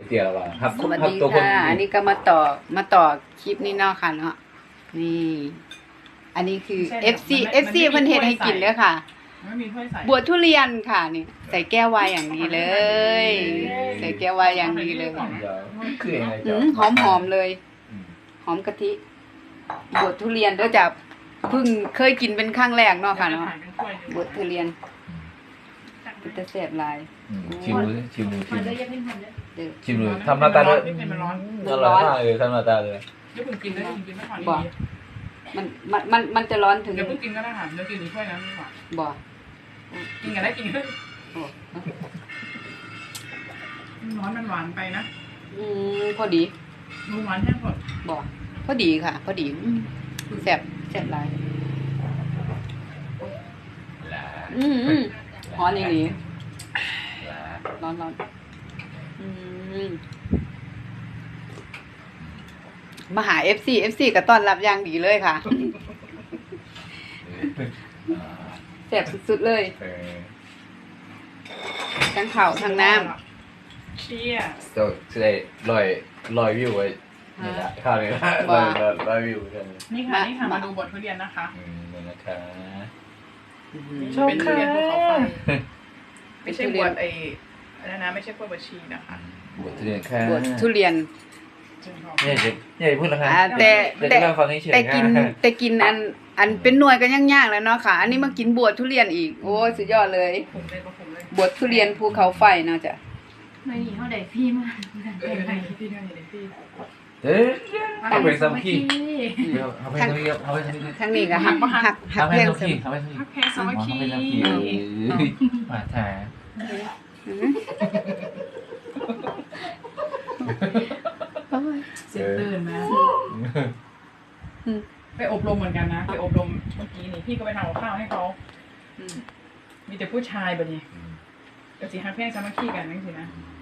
เตี๋ยวว่าครับสวัสครับดีตัวคนค่ะ อันนี้ก็มาต่อคลิปนี้เนาะค่ะเนาะนี่ อันนี้คือ FC เพิ่นเฮ็ดให้กินเด้อค่ะไม่มีถ้วยใส่บวชทุเรียนค่ะนี่ใส่แก้วไวน์อย่างดีเลย ใส่แก้วไวน์อย่างดีเลยเดี๋ยวคือยังไงอืจ๊ะหอมเลยอืมหอมกะทิบวชทุเรียนเด้อจ้ะเพิ่งเคยกินเป็นครั้งแรกเนาะค่ะเนาะบวชทุเรียนเป็นตะแซ่บหลายชิมดูสิชิมดูชิมดูเด้อชิมดูทำหน้าตาด้วยมันร้อนอร่อยมากเลยทำหน้าตาเลยเดี๋ยวเพิ่งกินได้กินไม่พอบ่ มันจะร้อนถึงเดี๋ยวเพิ่งกินก็ได้ค่ะเดี๋ยวกินอีกถ้วยนั้นดีกว่าบ่กินกันได้กินกันโอ้ร้อนมันหวานไปนะพอดีดูหวานแห้งหมดบ่พอดีค่ะ พอดีแซ่บหลายร้อนอีหลีร้อนมาหา FC ก็ต้อนรับอย่างดีเลยค่ะแซ่บสุดๆเลยทั้งข้าวทั้งน้ำเชี่ยจะได้ลอยวิวไว้นี่แหละข้าวนี่ละลอยวิวกันนี่ค่ะนี่ค่ะมาดูบททุเรียนนะคะนี่นะคะเป็นทุเรียนภูเขาไฟไม่ใช่บวชไอ้อะไรนะไม่ใช่บวชบัญชีนะคะบวชทุเรียนค่ะบวชทุเรียนเนี่ยพูดแล้วค่ะแต่จะเล่าฟังให้เฉยแต่กินอันเป็นหน่วยก็ยังยากแล้วเนาะค่ะ อันนี้มากินบวชทุเรียนอีก โอ้ยสุดยอดเลยผมเลยก็ผมเลยบวชทุเรียนภูเขาไฟเนาะจ้ะไม่หนีเขาได้พี่มากที่นี่เลยที่เอาไปซ้ำขี้เอาไปซ้ำขี้เอาไปซ้ำขี้ทั้งนี้ก็หักเพลงเอาไปซ้ำขี้เอาไปซ้ำขี้พักแพ้สามัคคีมาถ่ายเสียงตื่นมาไปอบรมเหมือนกันนะไปอบรมเมื่อกี้นี่พี่ก็ไปทำกับข้าวให้เขามีแต่ผู้ชายแบบนี้ก็สิฮักแพ้สามัคคีกันนั่นสินะ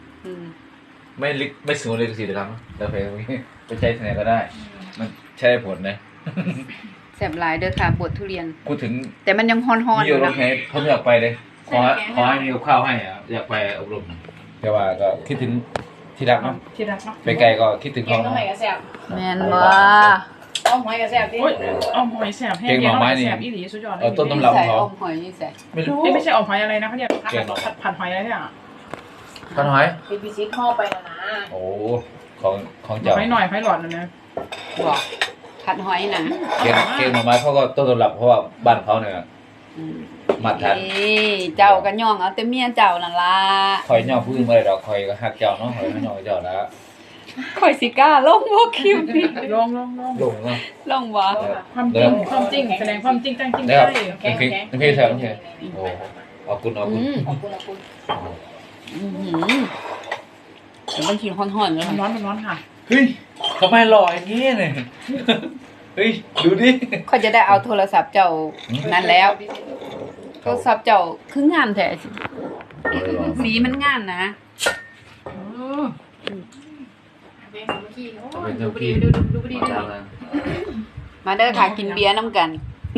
ไม่สูงเลยสิเดี๋ยวครับแต่เพลงนี้ไปใช้ที่ไหนก็ได้ มันใช้ผลนะแซ่บหลายเด้อค่ะบวชทุเรียนพูดถึงแต่มันยังฮ้อนๆอมีอยู่ยู่โรนะงแรมผมอยากไปเลยขอให้มีกับข้าวให้อ่ะอยากไปอบรมแต่ว่าก็คิดถึงที่รักเนาะที่รักเนาะไปไกลก็คิดถึงเก่เขางตรงไหนเนาะก็แซ่บแม่นบ่อ้อมหอยก็แซ่บดิโอ้ยอมหอยแสบแห้งแกงหอยแสบอีหลีสุดยอดเลยเอาต้นตำรับใส่เขาอมหอยนี่ใส่ไม่รู้ไม่ใช่อมหอยอะไรนะเขาเรียกผัดหอยอะไรเนี่ยพันหอยเป็นพิซิตห่อไปแล้วนะโอ้ของหเจ้าอยหน่อยหอยหลอดนะบ่ผัดหอยนะเกณฑ์มาไม้เขาก็ต้นตำรับเพราะว่าบ้านเขาเนี่ยมาทันนี่เจ้าก็ย่องเอาแต่เมียเจ้านั่นล่ะคอยย่อผู้อื่นมาเลยดอกคอยก็หักเจ้าเนาะคอยไม่ย่อเจ้าแล้วข่อยสิกล้าลงบ่คลิปนี้ลองลงเนาะลงบ่ความจริงแสดงความจริงตั้งจริงได้ใจครับเป็นพี่แถวนี่โอ้เอาคุณขอบคุณแต่มันกินฮ้อนๆเลยมันร้อนค่ะเฮ้ยทำไมหล่ออย่างนี้เนี่ยเฮ้ยดูดิข่อยจะได้เอาโทรศัพท์เจ้านั่นแล้วโทรศัพท์เจ้าคืองามแท้สิสีมันงามนะเป็นสามัคคีดูดีดูดีมาเด้อค่ะกินเบียร์น้ำกัน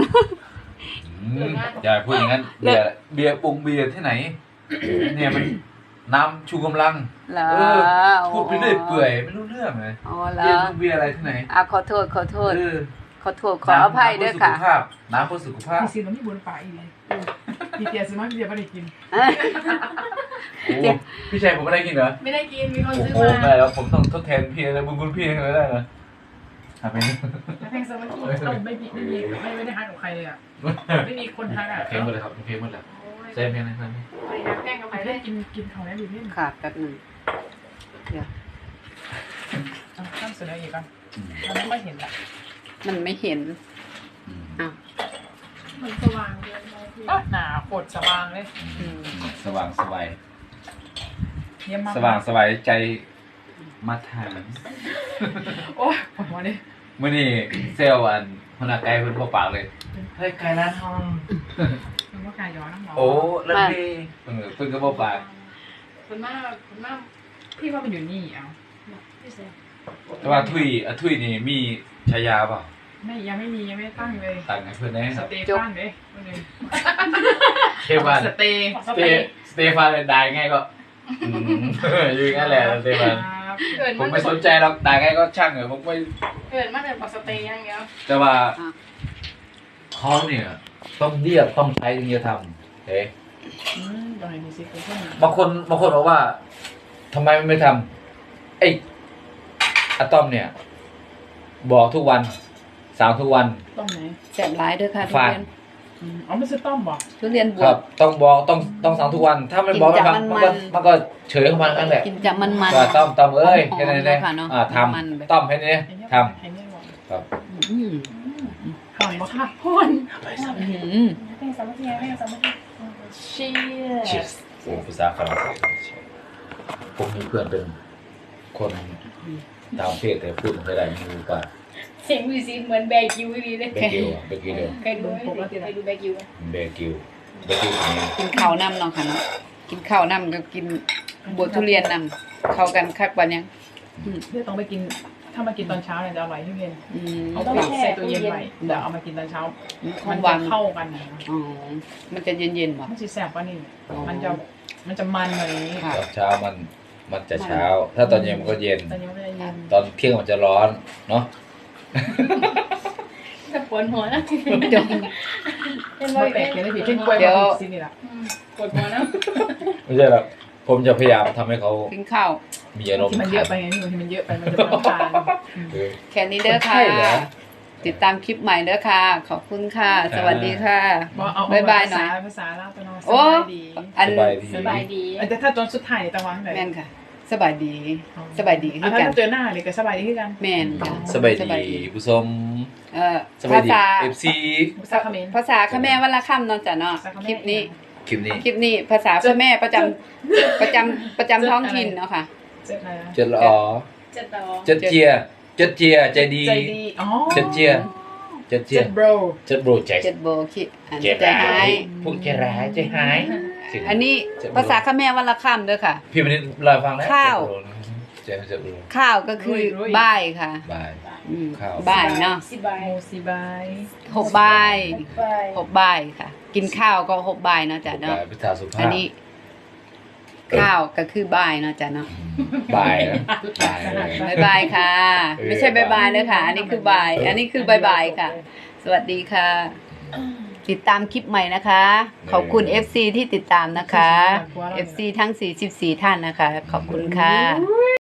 อย่าพูดอย่างนั้นเบียร์ปรุงเบียร์ที่ไหนเนี่ยมันน้ำชูกำลังเหรอพูดไปเรื่อยเปื่อยไม่รู้เรื่องเลยอ๋อเหรเบียร์ออะไรที่ไหนขอโทษขออภัยเด้อค่ะน้ำเพื่อสุขภาพพี่ซีน้ำมีบุญป่าอีกพี่เตียซื้อมาพี่เตียไม่ได้กินโอ้พี่ชายผมไม่ได้กินเหรอไม่ได้กินมีคนโอ้ซื้อโหมาไม่แล้วผมต้องทดแทนพี่นะบุญพี่ให้ได้นะไปแพงสามัคคีเราไม่ได้ฮักกับใครเลยอ่ะไม่มีคนฮักอ่ะเพลงหมดเลยครับเพลงหมดแล้วใช่เพลงอะไรแป้งกับไข่ใครได้ได้กินเขาได้ดีนิดค่ะแป๊บหนึงเดี๋ยวข้ามเสนออีกอ่ะมันไม่เห็นละมันไม่เห็นอ้าวมันสว่างเกินไปพี่หนาปวดสว่างเลยสว่างสบายเยี่ยมมากสว่างสบายใจมาทานโอ้ยปวดหัวดิเมื่อนี้เซลอันพนักไก่เพิ่นพอปากเลยเฮ้ยไก่ร้านทองมันก็กายย้อนน้ำหมอโอ้แล้วนี่เพิ่นก็บ่ปากคุณมากพี่ว่ามันอยู่นี่เอาพี่เซ่แต่ว่าทุยนี่มีฉายาเปล่ายังไม่ตั้งเลยต่างให้เพิ่นได้สเตฟานเลยคนนึงเทฟานสเตสเตฟานได้ไงก็อยู่งั้นแหละสเตฟานอ่าเกิดผมัมนไม่สนใจหรอกด่าไงก็ช่างเหรอะผมไม่เกิดมันเป็นปกสเตย์อย่างเงี้ยแต่ว่าเขาเนี่ยต้องเรียกต้องใช้ถึงจะทำเอ๊ะตรงไหนมีซิกเพิ่มบางคนบอกว่าทำไมไม่ทำไอ้อะตอมเนี่ย บอกทุกวันสาวทุกวันต้มไหนแซ่บหลายเด้อค่ะทุฝากเรียนอ๋อไม่ซื้อต้มบ่ทุเรียนบคว รับบต้องบอกต้องสั่งทุกวัน ถ้าไม่บอกไม่ฟังกินมันจากก็มันมันก็เฉยของมันนั่นแหละกินจะมันๆก็ต้มเอ้ยหอมๆแค่นั้นเองเลยค่ะเนอะทมันแบบำต้มแค่นี้ทไอ้เนี่ยบอกำครับอืมห่อนบ่ค่ะห่อนอืมแป้งสามัคคีแป้งสามัคคีเชียร์โอ้ภาษาฝรั่งเศสผมมีเพื่อนเป็นคนตามเพศแต่พูดไม่ค่อยได้ไม่รู้ป่ะเสียงวีซีเหมือนแบกิวเลยเบกิวอะเบกิวเดียวเคยดูไหมเคยดูแบกิวเบกิวเบกิวคนนี้กินข้าวน้ำเนาะค่ะเนาะกินข้าวน้ำกับกินบวทุเรียนน้ำเข้ากันคักวันยังเพื่อต้องไปกินถ้ามากินตอนเช้าเนี่ยจะอร่อยที่เย็นอืมเอาไปใส่ตู้เย็นไว้เดี๋ยวเอามากินตอนเช้าขมัอน งจะหวานเข้ากันนะอ๋อมันจะเย็นๆบ่มันจะแซ่บกว่านี่อ๋อมันจะมันเลยค่ะตอนเช้ามันจะเช้า ถ้าตอนเย็นมันก็เย็นตอนนี้มันจะเย็นตอนเที่ยงมันจะร้อนเนาะจะปวดหัวนะจงเป็นไม่ร้อยแปลเอ็กดเลยนะพี่เช่นกล้วยเดี๋ยวมาสินี่แหละปวดหัวนะไม่ใช่หรอกผมจะพยายามทำให้เขากินข้าวมีอารมณ์ที่มันเยอะไปไงนี่บางทีมันเยอะไปมันจะเป็นน้ำตาลเออแค่นี้เด้อค่ะใช่เหรอติดตามคลิปใหม่เด้อค่ะ ขอบคุณค่ะ สวัสดีค่ะบอกเอาบ๊ายบายหน่อยภาษาลาวตัวน้องสโอ้บายดีอันสบายดีสบายดีแต่ถ้าตอนสุดท้ายตะวันไหนแม่นค่ะ สบายดี สบายดีคือถ้ากันเจอหน้าเลยก็สบายดีคือกันแม่นค่ะสบายดีผู้ชม สบายภาดีษา FC ภาษาเขมรภาษาเขมรวันละคำเนาะจ้ะเนาะภาษาเขมรคลิปนี้คลิปนี้คลิปนี้ภาษาพ่อแม่ประจำท้องถิ่นเนาะค่ะเจ็ดอะไรนะเจ็ดละอ๋อจะต่อเจ็ดเจียเจ็ดเจียใจดีใจดีอ๋อเจ็ดเจียเจ็ดเจียเจ็ดโบรเจ็ดโบรใจเจ็ดโบคิดอันเจ็ดใจหายพวกใจร้ายใจหายอันนี้ภาษาเขมรวันละคำเด้อค่ะพี่มันรอฟังแล้วข้าวเจ็ดโบรข้าวก็คือบ่ายค่ะบายอืมข้าวบ่ายเนาะสิบายโมซีบายหกบ่ายบายหกบ่ายค่ะ กินข้าวก็หกบ่ายเนาะจ้ะเนาะบายพิธาสุภาอันพนี้ ข้าวก็คือบ่ายเนาะจ้ะเนาะบายนะบายบายบายค่ะ ไม่ใช่บายบายเลยค่ะ อันนี้คือบ่าย อันนี้คือบายบายค่ะ สวัสดีค่ะ ติดตามคลิปใหม่นะคะ ขอบคุณ FC ที่ติดตามนะคะ FC ทั้ง 44 ท่านนะคะ ขอบคุณค่ะ